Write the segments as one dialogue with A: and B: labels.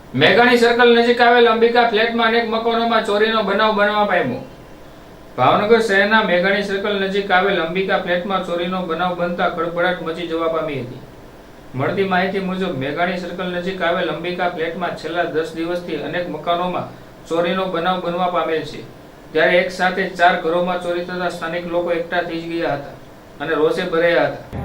A: મેઘાણી સર્કલ નજીક આવેલ અંબિકા ફ્લેટમાં અનેક મકાનોમાં ચોરીનો બનાવ બનવા પામ્યો. ભાવનગર શહેરના મેઘાણી સર્કલ નજીક આવેલ અંબિકા ફ્લેટમાં ચોરીનો બનાવ બનતા ખળભળાટ મચી જવા પામી હતી. મળતી માહિતી મુજબ મેઘાણી સર્કલ નજીક આવેલ અંબિકા ફ્લેટમાં છેલ્લા 10 દિવસથી અનેક મકાનોમાં ચોરીનો બનાવ બનવા પામેલ છે. ત્યારે એક સાથે 4 ઘરોમાં ચોરી થતા સ્થાનિક લોકો એકઠા થઈ ગયા હતા અને રોષે ભરાયા હતા.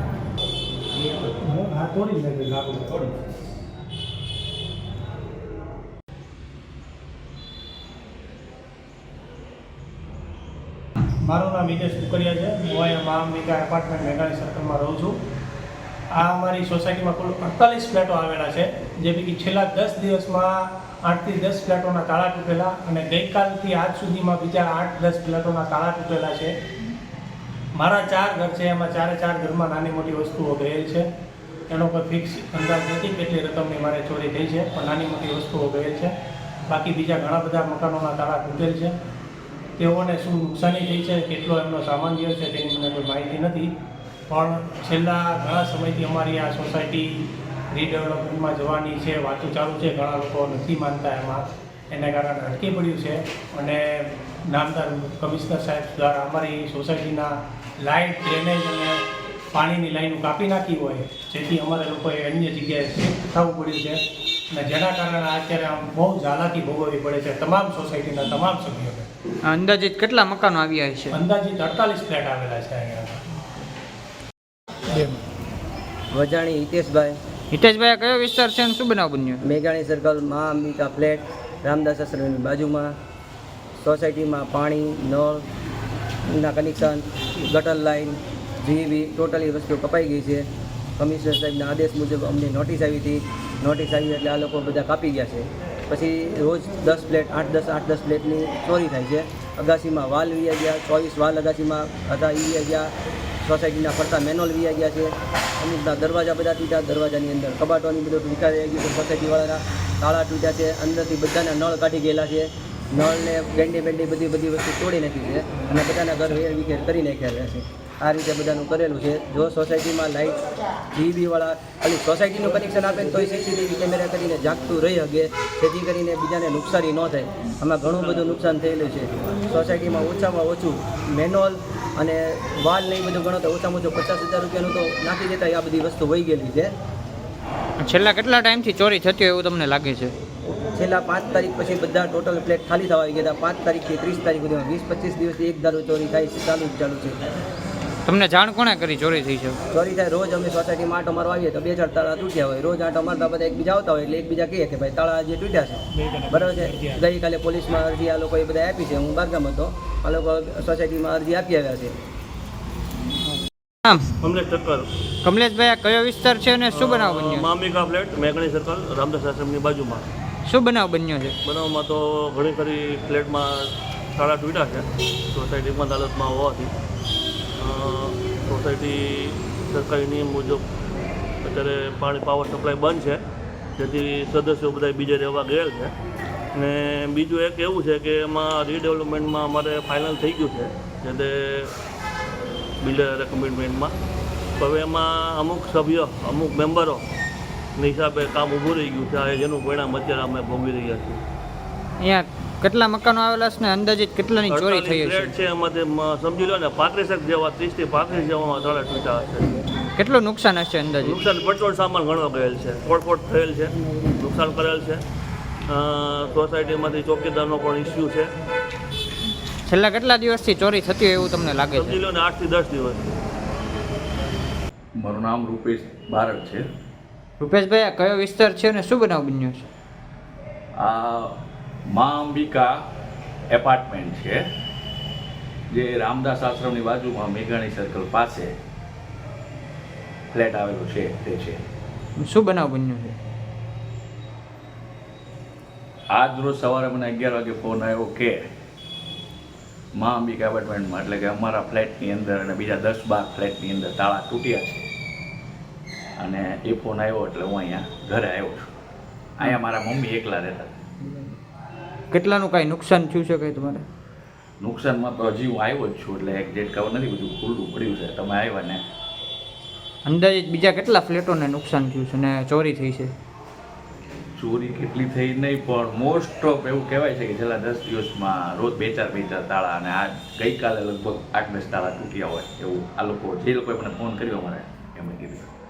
B: મારું નામ વિદેશ કુકરિયા છે. હું અહીંયા મા અંબિકા એપાર્ટમેન્ટ મેઘાણી સર્કલમાં રહું છું. આ અમારી સોસાયટીમાં કુલ 48 ફ્લેટો આવેલા છે, જે પૈકી છેલ્લા 10 દિવસમાં 8 થી 10 ફ્લેટોના તાળા તૂટેલા અને ગઈકાલથી આજ સુધીમાં બીજા 8-10 ફ્લેટોના તાળા તૂટેલા છે. મારા 4 ઘર છે, એમાં 4 ઘરમાં નાની મોટી વસ્તુઓ ગયેલ છે. એનો કોઈ ફિક્સ અંદાજ નથી કેટલી રકમની મારે ચોરી થઈ છે, પણ નાની મોટી વસ્તુઓ ગયેલ છે. બાકી બીજા ઘણા બધા મકાનોના તાળા તૂટેલ છે. તેઓને શું નુકસાની થઈ છે, કેટલો એમનો સામાન ગયો છે તેની મને કોઈ માહિતી નથી. પણ છેલ્લા ઘણા સમયથી અમારી આ સોસાયટી રીડેવલપમેન્ટમાં જવાની છે, વાતો ચાલુ છે. ઘણા લોકો નથી માનતા એમાં, એને કારણે અટકી પડ્યું છે. અને નામદાર કમિશનર સાહેબ દ્વારા અમારી સોસાયટીના લાઇટ, ડ્રેનેજ અને પાણીની લાઈનો કાપી નાખી હોય, જેથી અમારે લોકોએ અન્ય જગ્યાએ શિફ્ટ થવું પડ્યું છે. અને જેના કારણે અત્યારે આમ બહુ ઝાલાકી ભોગવવી પડે છે તમામ સોસાયટીના તમામ સભ્યોને.
C: અંદાજિત કેટલા મકાનો આવ્યા છે?
B: અંદાજિત 48 ફ્લેટ આવેલા છે અહીંયા.
D: વજાણી હિતેશભાઈ.
C: હિતેશભાઈ, કયો વિસ્તાર છે અને શું બનાવ બન્યો?
D: મેઘાણી સર્કલ મા અંબિકા ફ્લેટ, રામદાસ આશ્રમની બાજુમાં. સોસાયટીમાં પાણી, નળના કનેક્શન, ગટર લાઇન, જીવી ટોટલી વસ્તુ કપાઈ ગઈ છે. કમિશનર સાહેબના આદેશ મુજબ અમને નોટિસ આવી હતી. નોટિસ આવી એટલે આ લોકો બધા કાપી ગયા છે. પછી રોજ 10 ફ્લેટ 8-10 ફ્લેટની ચોરી થાય છે. અગાસીમાં વાલ વીયા ગયા, 24 વાલ અગાસીમાં હતા એ વીયા ગયા. સોસાયટીના ફરતા મેનોલ વીયા ગયા છે. અમુકના દરવાજા બધા તૂટ્યા, દરવાજાની અંદર કબાટોની બધું વિખાઈ ગયું છે. સોસાયટીવાળાના તાળા તૂટ્યા છે, અંદરથી બધાના નળ કાઢી ગયેલા છે. નળને બેન્ડી બધી વસ્તુ તોડી નાખી છે અને બધાના ઘર વેર વિખેર કરી નાખ્યા છે. આ રીતે બધાનું કરેલું છે. જો સોસાયટીમાં લાઇટ જીબીવાળા ખાલી સોસાયટીનું કનેક્શન આપે તો સીસીટીવી કેમેરા કરીને જાગતું રહી શકે, જેથી કરીને બીજાને નુકસાની ન થાય. આમાં ઘણું બધું નુકસાન થયેલું છે. સોસાયટીમાં ઓછામાં ઓછું મેનોલ અને વાલ ને એ બધું ગણો તો ઓછામાં ઓછું 50,000 રૂપિયાનું તો નાખી દેતા આ બધી વસ્તુ વહી ગયેલી છે.
C: છેલ્લા કેટલા ટાઈમથી ચોરી થતી હોય એવું તમને લાગે છે?
D: છેલ્લા 5 તારીખ પછી બધા ટોટલ ફ્લેટ ખાલી થવા આવી ગયા હતા. 5 તારીખથી 30 તારીખ સુધીમાં 20-25 દિવસથી એક ધારો ચોરી થાય છે, ચાલુ છે.
C: તમને જાણ કોણે કરી ચોરી થઈ છે?
D: ચોરી થાય રોજ અમે સોસાયટીમાં આંટો મારવા આવીએ તો 2-4 તાળા તૂટ્યા હોય. રોજ આંટો મારતા બધા એકબીજા આવતા હોય એટલે એકબીજા કહે કે ભાઈ તાળા જે તૂટ્યા છે, બરાબર છે. ગઈકાલે પોલીસમાં અરજી આ લોકોએ બધા આપી છે. હું બારગામ હતો, આ લોકો સોસાયટીમાં અરજી આપી આવ્યા છે.
C: કમલેશભાઈ, કયો વિસ્તાર છે અને શું બનાવ બન્યો?
E: મા અંબિકા ફ્લેટ, મેઘાણી સર્કલ, રામદાસ આશ્રમની બાજુમાં.
C: શું બનાવ બન્યો છે?
E: બનાવમાં તો ઘણી ખરી ફ્લેટમાં તાળા તૂટ્યા છે. સોસાયટી બંધ હાલતમાં હોવાથી સોસાયટી સરકારી નિયમ મુજબ અત્યારે પાવર સપ્લાય બંધ છે, જેથી સદસ્યો બધા બીજે રહેવા ગયેલ છે. અને બીજું એક એવું છે કે એમાં રીડેવલપમેન્ટમાં અમારે ફાઇનલ થઈ ગયું છે, જે તે બિલ્ડર કમિટમેન્ટમાં. હવે એમાં અમુક સભ્યો, અમુક મેમ્બરોની હિસાબે કામ ઊભું રહી ગયું છે, જેનું પરિણામ અત્યારે અમે ભોગવી રહ્યા છીએ.
C: અહીંયા કેટલા મકાનો આવેલા છે ને અંદાજિત કેટલાની ચોરી થઈ છે?
E: ફ્લેટ છે એમાંથી સમજી લો ને 35 જેવા, 30 થી 35 જેવામાં તાળા તૂટ્યા હશે.
C: કેટલું નુકસાન હશે અંદાજિત?
E: નુકસાન પેટ્રોલ સામાન ઘણો ગયેલ છે, તોડફોડ થયેલ છે, નુકસાન કરેલ છે. સોસાયટીમાંથી ચોકીદારનો પણ ઇસ્યુ છે.
C: છેલ્લા કેટલા દિવસથી ચોરી થતી હોય એવું તમને લાગે છે?
E: સમજી લો ને 8 થી 10 દિવસ.
F: મારું નામ રૂપેશ બારડ છે.
C: રૂપેશભાઈ, આ કયો વિસ્તાર છે અને શું બનાવ બન્યો છે?
F: આ મા અંબિકા એપાર્ટમેન્ટ છે, જે રામદાસ આશ્રમની બાજુમાં મેઘાણી સર્કલ પાસે ફ્લેટ આવેલો છે તે છે.
C: શું બનાવ બન્યો છે?
F: આજ રોજ સવારે મને 11 વાગે ફોન આવ્યો કે મા અંબિકા એપાર્ટમેન્ટમાં, એટલે કે અમારા ફ્લેટની અંદર અને બીજા 10-12 ફ્લેટની અંદર તાળા તૂટ્યા છે. અને એ ફોન આવ્યો એટલે હું અહીંયા ઘરે આવ્યો છું. અહીંયા મારા મમ્મી એકલા રહેતા.
C: કેટલાનું કાંઈ નુકસાન થયું છે કંઈ તમારે?
F: નુકસાનમાં તો હજી હું આવ્યો જ છું, એટલે એક્ઝેક્ટ ખબર નથી, બધું ખુલ્લું પડ્યું છે. તમે આવ્યા ને
C: અંદાજિત બીજા કેટલા ફ્લેટોને નુકસાન થયું છે ને ચોરી થઈ છે?
F: ચોરી કેટલી થઈ નહીં, પણ મોસ્ટ ઓફ એવું કહેવાય છે કે છેલ્લા 10 દિવસમાં રોજ બે ચાર તાળા, અને આ ગઈકાલે લગભગ 8-10 તાળા તૂટ્યા હોય એવું આ લોકો જે લોકોએ મને ફોન કર્યો મને એમણે કીધું.